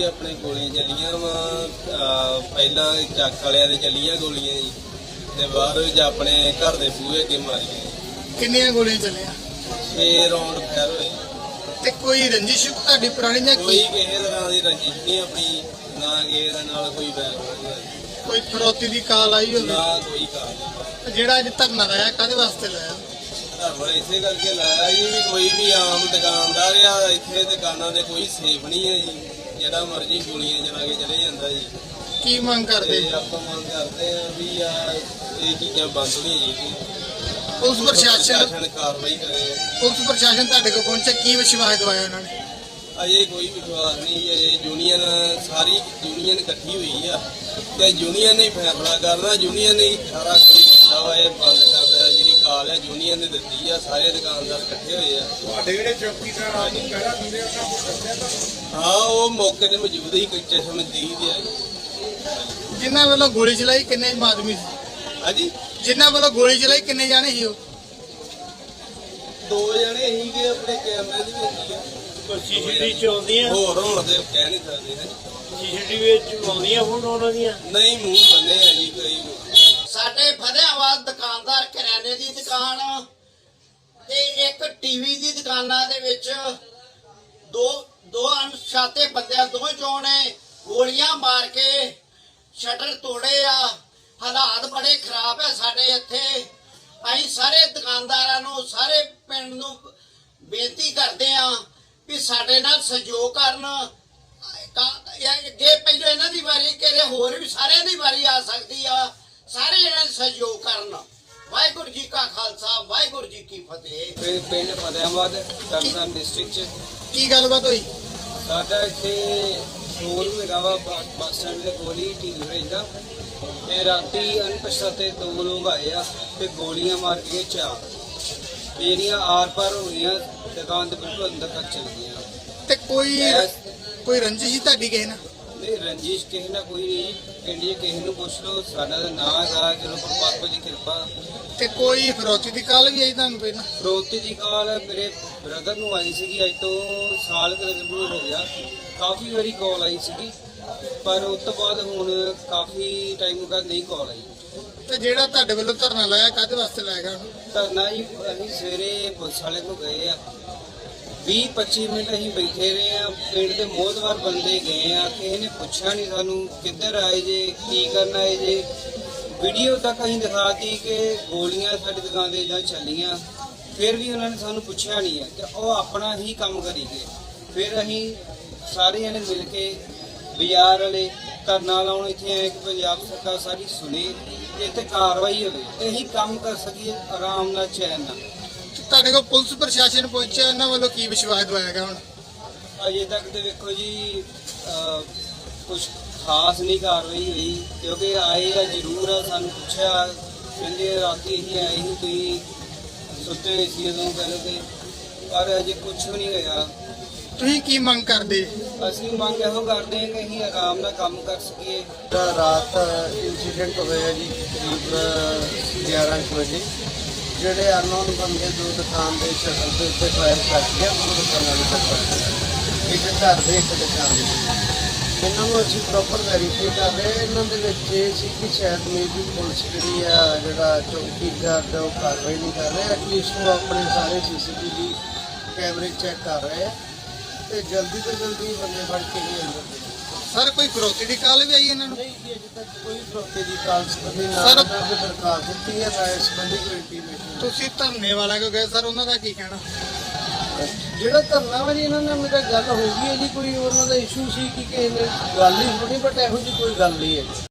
अपने गोलियां चलियां वा पहला चक वालियां दे चलियां गोलियां जी ते बाद विच अपने घर दे बूहे अगे मारियां। किन्नियां गोलियां चलियां? 6 राउंड फायर होए। ते कोई रंजिश तुहाडी पुरानी जां कोई किसी तरह की रंजिश नहीं अपनी, ना किसी दे नाल कोई बैर कोई फरौती दी काल आई होवे? ना कोई काल। जेड़ा अज धरना लाया काहदे वास्ते लाया? धरना इसे करके लाया जी भी कोई भी आम दुकानदार या इत्थे दुकानां दे कोई सेफ नहीं है जी, जेड़ा मर्जी गोलियां चला के चले जांदा जी। की मंग करदे? ਆਪਾਂ ਮੰਗ ਕਰਦੇ ਆ ਵੀ ਇਹ ਚੀਜ਼ਾਂ ਬੰਦ ਹੋਣੀ ਚਾਹੀਦੀਆਂ। ਪੁਲਿਸ ਪ੍ਰਸ਼ਾਸਨ ਕਾਰਵਾਈ ਕਰੇ। ਪੁਲਿਸ ਪ੍ਰਸ਼ਾਸਨ ਤੁਹਾਡੇ ਕੋਲ ਪਹੁੰਚਿਆ, ਕੀ ਵਿਸ਼ਵਾਸ ਦਵਾਇਆ ਉਹਨਾਂ ਨੇ? ਅਜੇ ਕੋਈ ਵਿਸ਼ਵਾਸ ਨਹੀਂ ਜੀ। ਅਜੇ ਯੂਨੀਅਨ ਸਾਰੀ ਯੂਨੀਅਨ ਇਕੱਠੀ ਹੋਈ ਆ ਤੇ ਯੂਨੀਅਨ ਨੇ ਫੈਸਲਾ ਕਰਨਾ। ਯੂਨੀਅਨ ਨੇ ਸਾਰਾ ਕੁਝ ਕੀਤਾ ਵਾ, ਇਹ ਬੰਦ ਕਰ ਦੇਣਾ। ਜਿਹੜੀ ਕਾਲ ਹੈ ਯੂਨੀਅਨ ਨੇ ਦਿੱਤੀ ਆ, ਸਾਰੇ ਦੁਕਾਨਦਾਰ ਇਕੱਠੇ ਹੋਏ ਆ। ਤੁਹਾਡੇ ਜਿਹੜੇ ਚੌਕੀਦਾਰ ਆ ਜੀ ਪਹਿਲਾਂ ਦਿੰਦੇ ਉਹਨਾਂ ਨੂੰ ਦੱਸਿਆ ਤਾਂ? ਹਾਂ, ਉਹ ਮੌਕੇ ਤੇ ਮੌਜੂਦ ਹੀ ਕੋਈ ਚਸ਼ਮ ਦੀ ਆ ਜੀ। ਜਿਨ੍ਹਾਂ ਵੱਲੋਂ ਗੋਲੀ ਚਲਾਈ ਕਿੰਨੇ ਆਦਮੀ ਸੀ? ਹਾਂਜੀ, ਜਿਨ੍ਹਾਂ ਵੱਲੋਂ ਗੋਲੀ ਚਲਾਈ ਕਿੰਨੇ ਜਾਣੇ ਸੀ ਉਹ? 2 ਜਣੇ ਸੀਗੇ ਆਪਣੇ ਕੈਮਰੇ ਦੀ ਵਿੱਚ ਆ। ਸੀਸੀਟੀਵੀ ਚ ਆਉਂਦੀਆਂ, ਹੋਰ ਹੁਣ ਤੇ ਕਹਿ ਨਹੀਂ ਸਕਦੇ ਹੈ। ਸੀਸੀਟੀਵੀ ਚ ਆਉਂਦੀਆਂ ਫੋਟੋ ਉਹਨਾਂ ਦੀਆਂ? ਨਹੀਂ, ਮੂੰਹ ਬੰਨੇ ਆ ਜੀ ਕੋਈ। ਸਾਡੇ ਫਤਿਆਬਾਦ ਦੁਕਾਨਦਾਰ ਕਰਿਆਨੇ ਦੀ ਦੁਕਾਨ ਤੇ ਇੱਕ ਟੀਵੀ ਦੀ ਦੁਕਾਨਾਂ ਦੇ ਵਿੱਚ ਦੋ ਅਣਪਛਾਤੇ ਬੰਦਿਆਂ ਦੋਵੇਂ ਚੋਂ ਨੇ ਗੋਲੀਆਂ ਮਾਰ ਕੇ ਸ਼ਟਰ ਤੋੜੇ ਆ। ਹਾਲਾਤ ਬੜੇ ਖਰਾਬ ਹੈ ਸਾਡੇ ਇੱਥੇ। ਅਸੀਂ ਸਾਰੇ ਦੁਕਾਨਦਾਰਾਂ ਨੂੰ, ਸਾਰੇ ਪਿੰਡ ਨੂੰ ਬੇਨਤੀ ਕਰਦੇ ਆ ਵੀ ਸਾਡੇ ਨਾਲ ਸਹਿਯੋਗ ਕਰਨ। ਅੱਗੇ ਪਹਿਲਾਂ ਇਹਨਾਂ ਦੀ ਵਾਰੀ ਕਿਹੜੇ ਹੋਰ ਵੀ ਸਾਰਿਆਂ ਦੀ ਵਾਰੀ ਆ ਸਕਦੀ ਆ। ਸਾਰੇ ਇਹਨਾਂ ਨੂੰ ਸਹਿਯੋਗ ਕਰਨ। ਵਾਹਿਗੁਰੂ ਜੀ ਕਾ ਖਾਲਸਾ, ਵਾਹਿਗੁਰੂ ਜੀ ਕੀ ਫਤਿਹ। ਪਿੰਡ ਫਤਿਆਬਾਦ ਤਰਨਤਾਰਨ ਡਿਸਟ੍ਰਿਕਟ ਚ ਕੀ ਗੱਲਬਾਤ ਹੋਈ? ਸਾਡਾ ਇੱਥੇ ਸ਼ੋਰੂਮ ਹੈਗਾ ਵਾ ਬੱਸ ਸਟੈਂਡ ਦੇ ਕੋਲ ਹੀ ਢੀਲ ਰਹਿੰਦਾ ਤੇ ਰਾਤੀ ਅਣਪਛਾਤੇ 2 ਲੋਕ ਆਏ ਆ ਤੇ ਗੋਲੀਆਂ ਮਾਰ ਕੇ 4 ਜਿਹੜੀਆਂ ਆਰ ਪਾਰ ਹੋ ਗਈਆਂ, ਦੁਕਾਨ ਦੇ ਬਿਲਕੁਲ ਅੰਦਰ ਤੱਕ ਚਲ ਗਈਆਂ। ਤੇ ਕੋਈ ਰੰਜਿਸ਼ ਸੀ ਤੁਹਾਡੀ ਕਿਸੇ ਨਾਲ? ਨਹੀਂ, ਰੰਜਿਸ਼ ਕਿਸੇ ਨਾਲ ਕੋਈ ਨਹੀਂ। ਪਿੰਡ 'ਚ ਕਿਸੇ ਨੂੰ ਪੁੱਛ ਲਓ, ਸਾਡਾ ਤਾਂ ਨਾਂ ਹੈਗਾ, ਚਲੋ ਪਰਮਾਤਮਾ ਦੀ ਕਿਰਪਾ। ਤੇ ਕੋਈ ਫਰੌਤੀ ਦੀ ਕਾਲ ਵੀ ਆਈ ਤੁਹਾਨੂੰ ਪਹਿਲਾਂ? ਫਰੋਤੀ ਦੀ ਕਾਲ ਮੇਰੇ ਬ੍ਰਦਰ ਨੂੰ ਆਈ ਸੀਗੀ, ਅੱਜ ਤੋਂ ਸਾਲ ਕੁ ਹੋ ਗਿਆ। ਕਾਫੀ ਵਾਰੀ ਕਾਲ ਆਈ ਸੀਗੀ, ਪਰ ਉਸ ਤੋਂ ਬਾਅਦ ਹੁਣ ਕਾਫੀ ਟਾਈਮ ਬਾਅਦ ਨਹੀਂ ਕਾਲ ਆਈ। ਤੇ ਜਿਹੜਾ ਤੁਹਾਡੇ ਵੱਲੋਂ ਧਰਨਾ ਲਾਇਆ ਕਾਹਦੇ ਵਾਸਤੇ ਲਾਇਆ ਗਿਆ? ਧਰਨਾ ਜੀ ਅਸੀਂ ਸਵੇਰੇ ਪੁਲਿਸ ਵਾਲੇ ਕੋਲ ਗਏ ਆ, 20-25 ਮਿੰਟ ਅਸੀਂ ਬੈਠੇ ਰਹੇ ਆ। ਪਿੰਡ ਦੇ ਮੋਹਤਵਾਰ ਬੰਦੇ ਗਏ ਆ, ਕਿਸੇ ਨੇ ਪੁੱਛਿਆ ਨਹੀਂ ਸਾਨੂੰ ਕਿੱਧਰ ਆਏ ਜੇ, ਕੀ ਕਰਨ ਆਏ ਜੇ। ਵੀਡੀਓ ਤੱਕ ਅਸੀਂ ਦਿਖਾਤੀ ਕਿ ਗੋਲੀਆਂ ਸਾਡੀ ਦੁਕਾਨ ਦੇ ਜਾਂ ਚੱਲੀਆਂ, ਫਿਰ ਵੀ ਉਹਨਾਂ ਨੇ ਸਾਨੂੰ ਪੁੱਛਿਆ ਨਹੀਂ ਹੈ ਤੇ ਉਹ ਆਪਣਾ ਹੀ ਕੰਮ ਕਰੀ ਗਏ। ਫਿਰ ਅਸੀਂ ਸਾਰੇ ਜਣੇ ਮਿਲ ਕੇ ਬਾਜ਼ਾਰ ਵਾਲੇ ਧਰਨਾ ਲਾਉਣ ਇੱਥੇ ਆਏ ਕਿ ਪੰਜਾਬ ਸਰਕਾਰ ਸਾਰੀ ਸੁਣੇ ਤੇ ਇੱਥੇ ਕਾਰਵਾਈ ਹੋਵੇ ਤੇ ਅਸੀਂ ਕੰਮ ਕਰ ਸਕੀਏ ਆਰਾਮ ਨਾਲ, ਚੈਨ ਨਾਲ। ਤੁਹਾਡੇ ਕੋਲ ਪੁਲਿਸ ਪ੍ਰਸ਼ਾਸਨ ਪਹੁੰਚਿਆ, ਇਹਨਾਂ ਵੱਲੋਂ ਕੀ ਵਿਸ਼ਵਾਸ ਦਵਾਇਆ ਗਿਆ ਹੁਣ? ਅਜੇ ਤੱਕ ਤੇ ਵੇਖੋ ਜੀ ਕੁਝ ਖਾਸ ਨਹੀਂ ਕਾਰਵਾਈ ਹੋਈ, ਕਿਉਂਕਿ ਆਏ ਆ ਜ਼ਰੂਰ ਆ, ਸਾਨੂੰ ਪੁੱਛਿਆ, ਕਹਿੰਦੇ ਰਾਤੀ ਅਸੀਂ ਆਏ ਸੀ, ਤੁਸੀਂ ਸੁੱਤੇ ਹੋਏ ਸੀ ਉਦੋਂ ਕਹਿੰਦੇ, ਪਰ ਅਜੇ ਕੁਝ ਵੀ ਨਹੀਂ ਹੋਇਆ। ਤੁਸੀਂ ਕੀ ਮੰਗ ਕਰਦੇ? ਅਸੀਂ ਮੰਗ ਇਹੋ ਕਰਦੇ ਹਾਂ ਕਿ ਅਸੀਂ ਆਰਾਮ ਨਾਲ ਕੰਮ ਕਰ ਸਕੀਏ। ਰਾਤ ਇੰਸੀਡੈਂਟ ਹੋਇਆ ਜੀ ਕਰੀਬ 11 ਵਜੇ। ਜਿਹੜੇ ਅਨਨੋਨ ਬੰਦੇ ਦੋ ਦੁਕਾਨ ਦੇ ਸ਼ਟਰ ਦੇ ਉੱਤੇ ਫਾਇਰ ਕਰ ਗਿਆ, ਉਹ ਦੁਕਾਨਾਂ ਦੇ ਉੱਤੇ ਇੱਕ ਘਰ ਦੇ ਇੱਕ ਦੁਕਾਨ ਦੇ। ਇਹਨਾਂ ਨੂੰ ਅਸੀਂ ਪ੍ਰੋਪਰ ਵੈਰੀਫਾਈ ਕਰ ਰਹੇ ਹਾਂ। ਇਹਨਾਂ ਦੇ ਵਿੱਚ ਇਹ ਸੀ ਕਿ ਸ਼ਾਇਦ ਮੇਬੀ ਪੁਲਿਸ ਜਿਹੜੀ ਆ, ਜਿਹੜਾ ਚੌਕੀਦਾਰ ਦਾ, ਉਹ ਕਾਰਵਾਈ ਨਹੀਂ ਕਰ ਰਿਹਾ। ਐਟਲੀਸਟ ਉਹ ਆਪਣੇ ਸਾਰੇ CCTV ਕੈਮਰੇ ਚੈੱਕ ਕਰ ਰਹੇ ਆ ਤੇ ਜਲਦੀ ਤੋਂ ਜਲਦੀ ਬੰਦੇ ਫੜ ਕੇ ਹੀ ਅੰਦਰ ਦੇ। ਸਰ ਕੋਈ ਫਰੌਤੀ ਦੀ ਕਾਲ ਵੀ ਆਈ ਇਹਨਾਂ ਨੂੰ? ਨਹੀਂ ਜੀ, ਅਜੇ ਤੱਕ ਕੋਈ ਫਰੋਤੇ ਦੀ ਕਾਲ ਸੰਬੰਧੀ ਨਾ ਸਰ, ਦਰਖਾਸਤ ਦਿੱਤੀ ਹੈ, ਨਾ ਇਸ ਸੰਬੰਧੀ ਕੋਈ ਇੰਟੀਮੇਸ਼ਨ। ਤੁਸੀਂ ਧਰਨੇ ਵਾਲਾ ਕੋ ਗਏ ਸਰ, ਉਹਨਾਂ ਦਾ ਕੀ ਕਹਿਣਾ? ਜਿਹੜਾ ਧਰਨਾ ਵਾ ਜੀ, ਇਹਨਾਂ ਨਾਲ ਮੇਰਾ ਗੱਲ ਹੋ ਗਈ ਹੈ ਜੀ। ਕੋਈ ਉਹਨਾਂ ਦਾ ਇਸ਼ੂ ਸੀ ਕਿ ਕਿਸੇ ਨੇ ਗੱਲ ਹੀ ਹੋਣੀ, ਬਟ ਇਹੋ ਜਿਹੀ ਕੋਈ ਗੱਲ ਨਹੀਂ ਹੈ।